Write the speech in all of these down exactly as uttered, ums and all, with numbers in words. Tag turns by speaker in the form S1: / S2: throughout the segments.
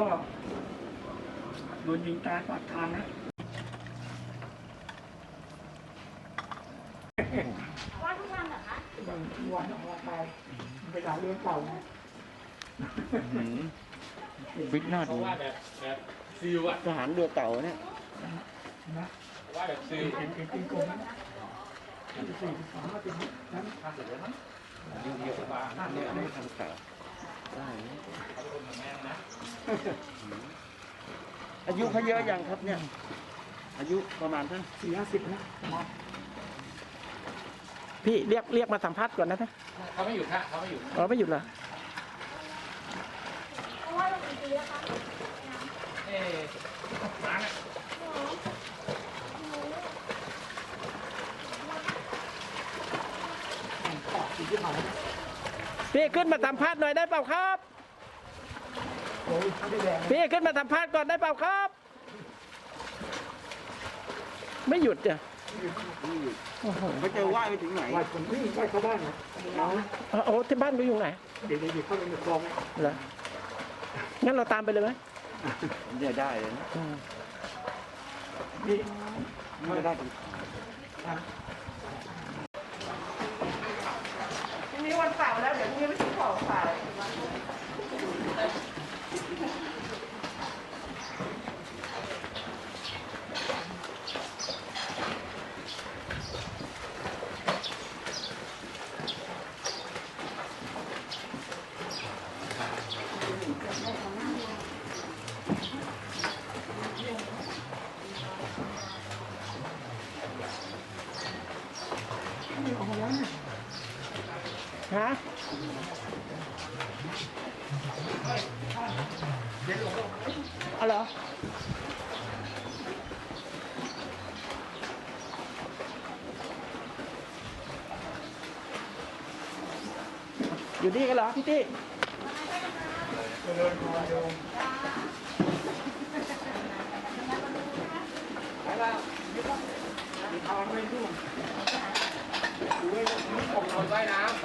S1: โดนยิงตายปากทางนะ
S2: ว่าทุกวันเหรอคะ
S1: บางวันออกมาตายเวลาเลี้ยงเก่านะ
S3: ฟิตหน้าดู
S4: ว่าแบบแบบซิลอะ
S3: ทหารเรือเก่าเนี่ย
S1: นะ
S4: ว่าแบบซิล
S1: เห็นเห็นเป็นกลมนะสี่สิบสามมาถึงนั้น
S4: ห้าสิบแล้วมั้งยูเดียวบ้าง
S3: เนี่ยไม่ทำเก่าได้อายุเขาเยอะยังครับเนี่ยอายุประมาณเท่า
S1: สี่ห้าสิบนะ
S5: พี่เรียกเรียกมาสัมภาษณ์ก่อนนะท่าน
S4: เขาไม่หยุดฮะเขาไม่หยุด
S5: อ๋อไม่หยุดเหรอ
S2: เพราะว่าเราเป็นปีแล้วคะ
S4: เอ๊ะร้านอะ
S5: พี่ขึ้นมาสัมภาษณ์หน่อยได้เปล่าครับพี่ขึ้นมาสัมภาษณ์ก่อนได้เปล่าครับไม่หยุดจ้ะ
S3: เขาจะไหว้ไปถึงไหน
S1: ไหว้ผมนี่ไหว้เข้าบ้านนะ
S5: โอ้ที่บ้านก็อยู่ไหน
S1: เดี๋ยวเดี๋ยวเข้าไปในคลอง
S5: เหรองั้นเราตามไปเลยไหม
S3: เดี๋ยวได้เลยนะ
S1: นี่
S3: ไม่ได้
S5: ทีนี้วันเสาร์แล้วเดี๋ยวพรุ่งนี้ไปซื้อของขายฮะเอาเหรออยู่นี่กันเหรอพี่ตี้
S1: ไปแล้วมีทางไม่ดูดูไว้
S4: ผมนอนว่ายน้ำ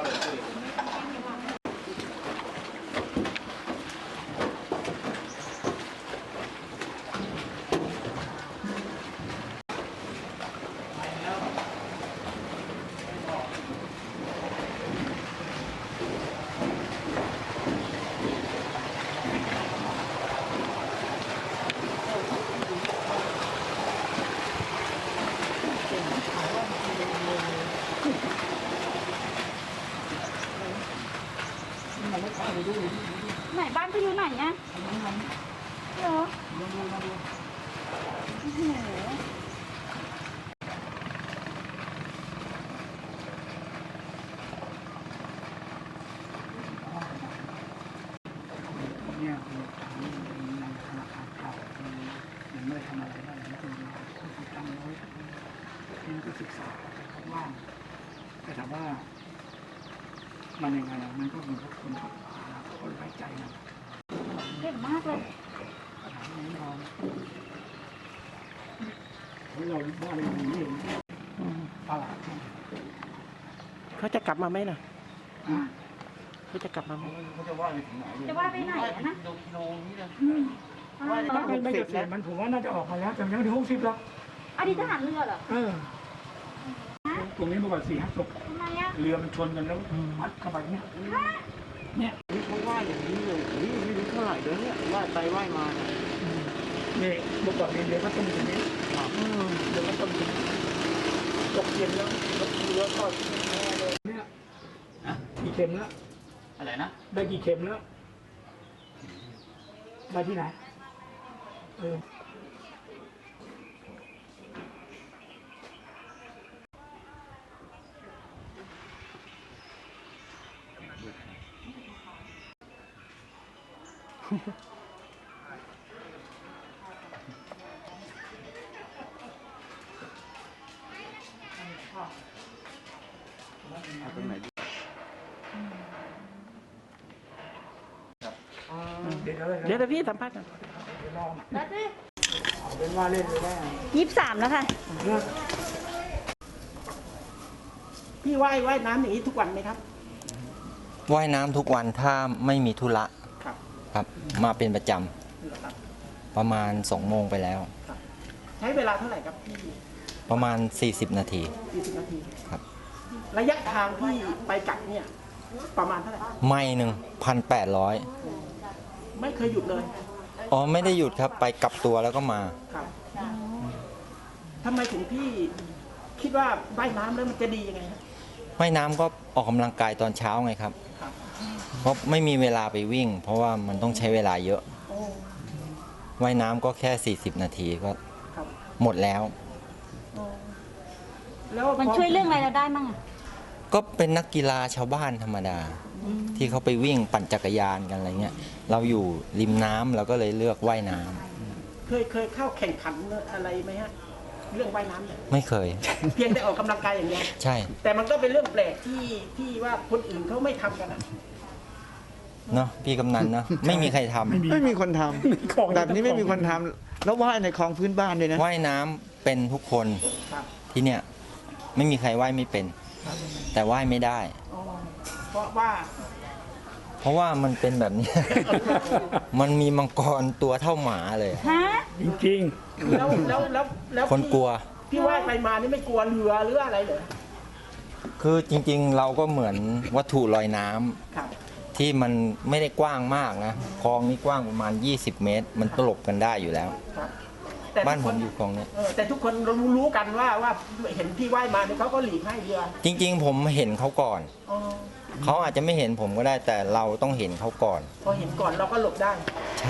S2: ไหนบ้านไปอยู่ไหนเนี่ยเหรอโอ้โห
S1: เนี่ยคือในธนาคารเก่ายังไม่ได้ทำอะไรบ้างนะคือคือตั้งไว้ที่ก็ศึกษาเขาว่างแต่ถามว่ามันยังไงมันก็เหมือนกับคนคนไว้ใจนะ
S2: เก่งมากเลย
S1: เราเราบ้านเรานี่ตลาด
S5: เขาจะกลับมาไหมล่ะเขาจะกลับมาไหม
S3: เขาจะไหว้ไปถึงไหน
S2: จะไหว้ไปไหนนะ
S3: กิโลนี้เลย
S1: ว่าต้องเป็นไม่เกษียณมันผมว่าน่าจะออกมาแล้วแต่ยังถึงหกสิบแล้ว
S2: อดีตทหารเรือเหรอ
S1: เออตรงนี้เมื่อก่อนสี่ห้าศพเรือมันชนกันแล้วมัดเข้าไปเนี่ยเนี่ย
S3: นี่เขาไหว้อย่างนี้เลยไม่รู้เท่าไหร่เลยเนี่ยไหว้ไปไหว้มา
S1: เนี่ยเมื่อก่อนเรือก็ต้มอย่างนี้เรือก็ต้มตกเย็นแล้วเรือก็เนี่ยกี่เข็มแล้ว
S4: อะไรนะ
S1: ได้กี่เข็มแล้วได้ที่ไหนเออ
S3: ตรงไหน
S1: เดี๋ยว
S5: เดี๋ยวพี่สัมภาษณ์กัน
S2: แล้วสิ
S1: เป็นว่าเล่นเลยได้
S2: ยี่สิบสามแล้วค่ะ
S5: พี่ว่ายว่ายน้ำอย่างนี้ทุกวันไหมครับ
S6: ว่ายน้ำทุกวันถ้าไม่มีธุระครับมาเป็นประจประมาณสองโมงไปแล้ว
S5: ใช้เวลาเท่าไหร่ครับพี่
S6: ประมาณสี่สิบนาที
S5: ยี่สิบนาที
S6: ครับ
S5: ระยะทางที่ไปกลับเนี่ยประมาณเท่าไหร่
S6: ไม่หนึ่งพันแปดร้อย
S5: ไม่เคยหยุดเลย
S6: อ๋อไม่ได้หยุดครับไปกลับตัวแล้วก็มา
S5: ครับทำไมถึงพี่คิดว่าว่ายน้ำแล้วมันจะดียังไงฮะ
S6: ว่ายน้ำก็ออกกำลังกายตอนเช้าไงครับ
S5: ครับ
S6: เพราะไม่มีเวลาไปวิ่ง เพราะว่ามันต้องใช้เวลาเยอะ
S5: โอ้
S6: ว่ายน้ำก็แค่สี่สิบนาทีก็
S5: ครับ
S6: หมดแล้ว
S5: โอ้แล้ว
S2: มันช่วยเรื่องอะไรเราได้มั่งอะ
S6: ก็เป็นนักกีฬาชาวบ้านธรรมดา ที่เขาไปวิ่งปั่นจักรยานกันอะไรเงี้ย เราอยู่ริมน้ำเราก็เลยเลือกว่ายน้ำ
S5: เคยเคยเข้าแข่งขันอะไรไหมฮะเรื่องว่ายน้ำเนี่ย
S6: ไม่เคย
S5: เพียงแต่ออกกำลังกายอย่างเดียว
S6: ใช่
S5: แต่มันก็เป็นเรื่องแปลกที่ที่ว่าคนอื่นเขาไม่ทำกันอะ
S6: เนาะพี่กำนันเนาะไม่มีใครทำ
S3: ไม่มีคนท
S1: ของ
S3: ำแบบนี้ไม่มีคนทำแล้วว่ายในคลองพื้นบ้านเลยนะ
S6: ว่ายน้ำเป็นทุกคน
S5: ครับ
S6: ที่เนี่ยไม่มีใครว่ายไม่เป็น แต่ว่ายไม่ได้
S5: อ๋อเพราะว่า
S6: เพราะว่ามันเป็นแบบนี้ มันมีมังกรตัวเท่าหมาเลย
S2: ฮะ
S1: จริง
S5: แล้วแล้วแล้วแล้ว
S6: คนกลัว
S5: พี่ว่ายไปมานี่ไม่กลัวเรือหรืออะไรเหรอ
S6: คือจริงๆ เราก็เหมือนวัตถุลอยน้ำ
S5: ครับ
S6: ที่มันไม่ได้กว้างมากนะคลองนี้กว้างประมาณ ยี่สิบ เมตร มันตลบกันได้อยู่แล้ว
S5: ครับแต่
S6: บ้าน
S5: ทุก
S6: ผ
S5: ค
S6: มอยู่คลองนี้
S5: เออแต่ทุกคนรู้รู้กันว่าว่าเห็นพี่ว่ายมาเนี่ยเขาก็หลีกให้เรือ
S6: จริงๆ ผมเห็นเขาก่อน
S5: อ๋อ
S6: เขาอาจจะไม่เห็นผมก็ได้แต่เราต้องเห็นเขาก่อน
S5: พอเห็นก่อนเราก็หลบได้
S6: ใช่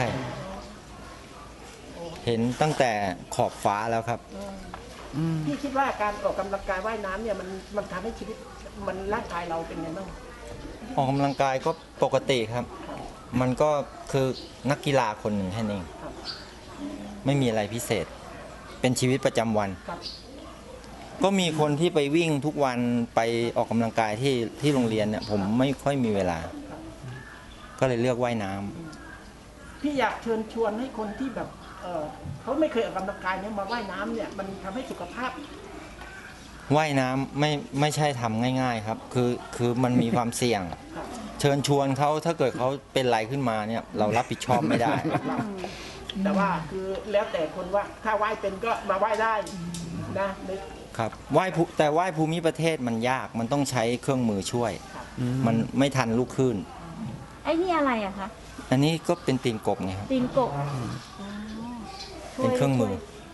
S6: เห็นตั้งแต่ขอบฟ้าแล้วครับ
S5: พี่คิดว่าการออกกำลังกายว่ายน้ำเนี่ยมันมันทำให้ชีวิตมันร่างกายเราเป็นไงบ้าง
S6: ออกกำลังกายก็ปกติครับ มันก็คือนักกีฬาคนหนึ่งแค่นั้นเอง
S5: ครับ
S6: ไม่มีอะไรพิเศษ เป็นชีวิตประจำวัน
S5: ครับ
S6: ก็มีคนที่ไปวิ่งทุกวันไปออกกำลังกายที่ที่โรงเรียนเนี่ยผมไม่ค่อยมีเวลา ก็เลยเลือกว่ายน้ำ
S5: พี่อยากเชิญชวนให้คนที่แบบเออเขาไม่เคยออกกำลังกายเนี่ยมาว่ายน้ำเนี่ยมันทำให้สุขภาพ
S6: ว่ายน้ำไม่ไม่ใช่ทำง่าย ๆครับ คือคือมันมีความเสี่ยง
S5: ครับ
S6: เชิญชวนเขาถ้าเกิดเขาเป็นอะไรขึ้นมาเนี่ยเรารับผิดชอบไม่ได้
S5: แต่ว่าคือแล้วแต่คนว่าถ้าว่ายเป็นก็มาว่ายได้นะใน
S6: ครับว่ายภูแต่ว่ายภูมิประเทศมันยากมันต้องใช้เครื่องมือช่วย มันไม่ทันลูกคลื่น
S2: ไอ้นี่อะไรอะคะ
S6: อันนี้ก็เป็นตีนกบไงครับ
S2: ตีนกบ
S6: เป็นเครื่องมือ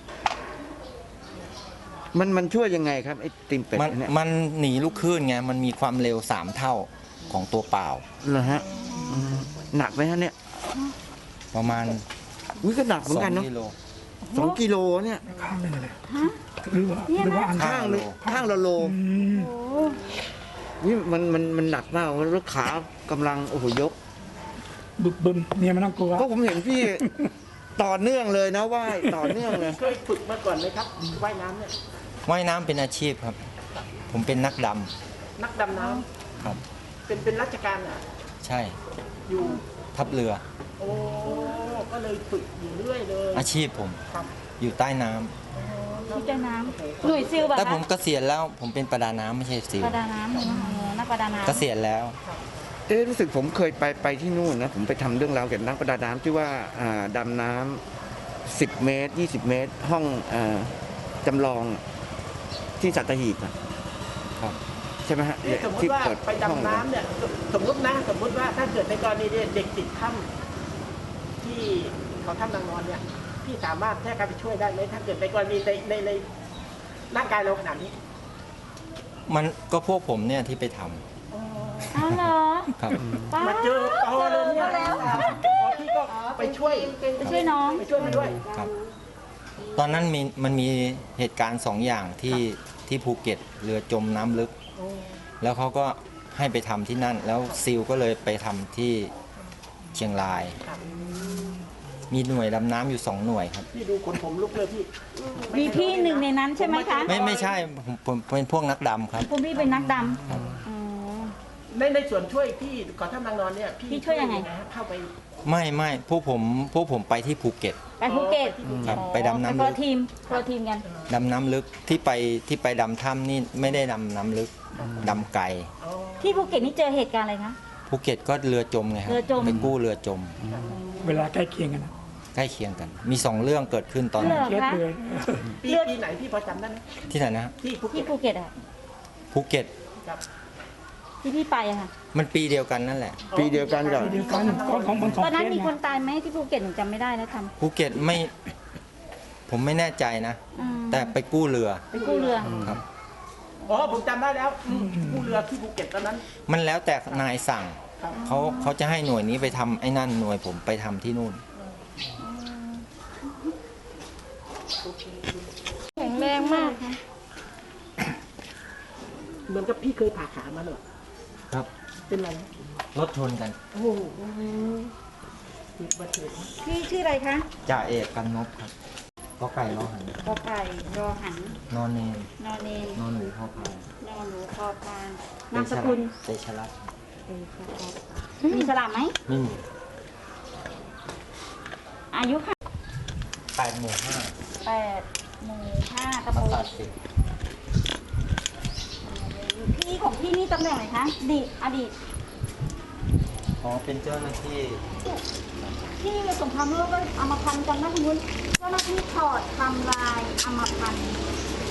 S3: มันมันช่วยยังไงครับไอ้ติมเป็ด
S6: มัน
S3: เนี่ย
S6: มันหนีลูกคลื่นไงมันมีความเร็วสามเท่าของตัวเปล่า
S3: เหรอฮะอืมหนักไหมฮะเนี่ย
S6: ประมาณ
S3: อุ้ยก็หนักเหมือนกัน
S6: ส
S3: เนาะ
S6: องกิโล
S3: สองกิโลเนี่ย
S1: ๆข้างหนึงเลย
S2: ฮะ
S1: หรือว่า
S2: เนี่ยนะ
S1: หรือว่าอัน
S3: ข้างหนึงข้างละโล
S1: อืม
S2: โอ้
S3: นี่มันมันมันหนักมากแล้วขากำลังโอ้โหยก
S1: บึกบึมเนี่ยมันต้องกลัว
S3: ก็ผมเห็นพี่ ต่อเนื่องเลยนะว่ายต่อเนื่องเลย
S5: เคยฝึกมาก่อนไหมครับว่ายน้ำเนี่ย
S6: ว่ายน้ำเป็นอาชีพครับ ผมเป็นนักด
S5: นักดำน้
S6: ำครับ
S5: ำเป็นเป็นราชการอ่ะ
S6: ใช่
S5: อยู่
S6: ทัพเรือ
S5: โอ้ก็เลยฝึกอยู่เรื่อยเลย
S6: อาชีพผม
S5: ครับ
S6: อยู่ใต้น้ำ
S2: ที่ใต้น้ำหน่วยซิลแบบ
S6: แต่ผมเกษียณแล้วผมเป็นประดาน้ำไม่ใช่ซิล
S2: ประดาน้ำเออนักประดาน้ำ
S6: เกษียณแล้ว
S3: เอ๊ะรู้สึกผมเคยไปไปที่นู่นนะผมไปทำเรื่องราวเกี่ยวกับนักประดาน้ำที่ว่าอ่าดำน้ำสิบเมตรยี่สิบเมตร ห้องอาจำลองที่สัตหีบอะ
S6: ครับ
S3: ใช่ไหมฮะ
S5: นี่สมม
S3: ที่
S5: ติว่า
S3: เปิด
S5: ไป
S3: ห้อง
S5: ดำน้ำเนี่ยสสมมตินะสมมติว่าถ้าเกิดในกรณีเนี่ยเด็กติดถ้ำที่เขาถ้ำนางนอนเนี่ยพี่สามารถแค่การไปช่วยได้ไหมถ้าเกิดในกรณีในในในร่างกายเราขนาดนี้
S6: มันก็พวกผมเนี่ยที่ไปทำ
S2: อ้าวเหรอ
S6: ครับ
S2: ป้า
S5: มาเจอปอเลยเนี่ย
S2: จอแล้ว
S5: อ๋อพี่ก็ไปช่วย
S2: ไปช่วยน้อง
S5: ไปช่วยมาด้วย
S6: ครับ ตอนนั้นมีมันมีเหตุการณ์สองอย่างที่ที่ภูเก็ตเรือจมน้ำลึก
S5: โอ้
S6: แล้วเขาก็ให้ไปทำที่นั่น แล้วซิลก็เลยไปทำที่เชียงราย
S5: ครับ
S6: มีหน่วยดำน้ำอยู่สองหน่วยครับ
S5: พี่ดูคนผมลุกเลยพี่
S2: มีพี่หนึ่งในนั้นใช่ไหมคะ
S6: ไม่ไม่ใช่ผมผมเป็นพวกนักดำครับ
S2: คุณพี่เป็นนักดำอ๋อ
S5: ในในส่วนช่วยพี่ก่อนถ้ำนางนอนเนี่ย
S2: พี่ช่วยยังไง
S5: ฮะเข้าไป
S6: ไม่ไม่พวกผมพวกผมไปที่ภูเก็ต
S2: ไปภูเก็ต
S6: ครับ
S2: อ๋อ
S6: ไปดำน้ำลึก
S2: ไปคนละทีมคนละทีมกัน
S6: ดำน้ำลึกที่ไปที่ไปดำถ้ำนี่ไม่ได้ดำน้ำลึกดำไกล
S5: อ๋อ
S2: ที่ภูเก็ตนี่เจอเหตุการณ์อะไรคะ
S6: ภูเก็ตก็เรือจมไงครับ
S2: เรือจม
S6: ไปกู้เรือจม
S1: เวลาใกล้เคียงกันนะ
S6: ใกล้เคียงกัน มีสองเรื่องเกิดขึ้นตอน
S2: เหร
S6: นั้น
S2: อ
S1: เคส
S2: คะ
S1: เลย
S5: ปีปีไหนพี่พอจำได้ไหม
S6: ที่ไหนนะฮะ
S5: ที่ภูเก็
S2: ที่
S5: ต
S2: ภูเก็ตอะ
S6: ภูเก็ต
S5: ครับ
S2: ที่พี่ไปอะค่ะ
S6: มันปีเดียวกันนั่นแหละ
S3: ปีเดียวกันกับ
S1: เดียวกันของของของ
S2: ตอนนั้น
S1: เคส
S2: มี
S1: ไง
S2: คนตายไหมที่ภูเก็ตหนูจำไม่ได้แล้วท
S6: ภูเก็ตไม่ ผมไม่แน่ใจนะ
S2: ำอืม
S6: แต่ไปกู้เรือ
S2: ไปกู้เรือ
S6: ครับ
S5: อ๋อผมจำได้แล้วอืมผู้เรือที่ภูเก็ตตอนนั้น
S6: มันแล้วแต่นายสั่ง
S5: ครับ
S6: เขาเขาจะให้หน่วยนี้ไปทำไอ้นั่นหน่วยผมไปทำที่นู่น
S2: แข็งแรงมากค่ะ
S5: เหมือนกับพี่เคยผ่าขามาเหรอ
S6: ครับ
S5: เป็นไร
S6: รถชนกัน
S5: โอ้โหอุบัติเหตุ
S2: พี่ชื่ออะไรคะ
S6: จ่าเอกกันนบครับก็ไก่ล้อหัน
S2: กอไก่รอหัน
S6: นอนเนน
S2: นอนเนน
S6: นอนหนูพ่อพาน
S2: นอนหนูคอพานนามสกุล
S6: เตชะรัตน์
S2: มีสลามไหม
S6: ไม่มี
S2: อายุค่ะ
S6: แปดหมู่ห้า
S2: แปดหมู่ห้า
S6: ป
S2: ตำบ
S6: ระ
S2: ล
S6: สาทสิบ
S2: พี่ของพี่นี่ตำแหน่งไหนคะอดีตอดีต
S6: อ๋อเป็นเจ้าหน้าที่
S2: ที่สงครามโลกก็เอามาพันกันนะคุณวุ้นเจ้าหน้าที่ถอดทำลายเอามาพัน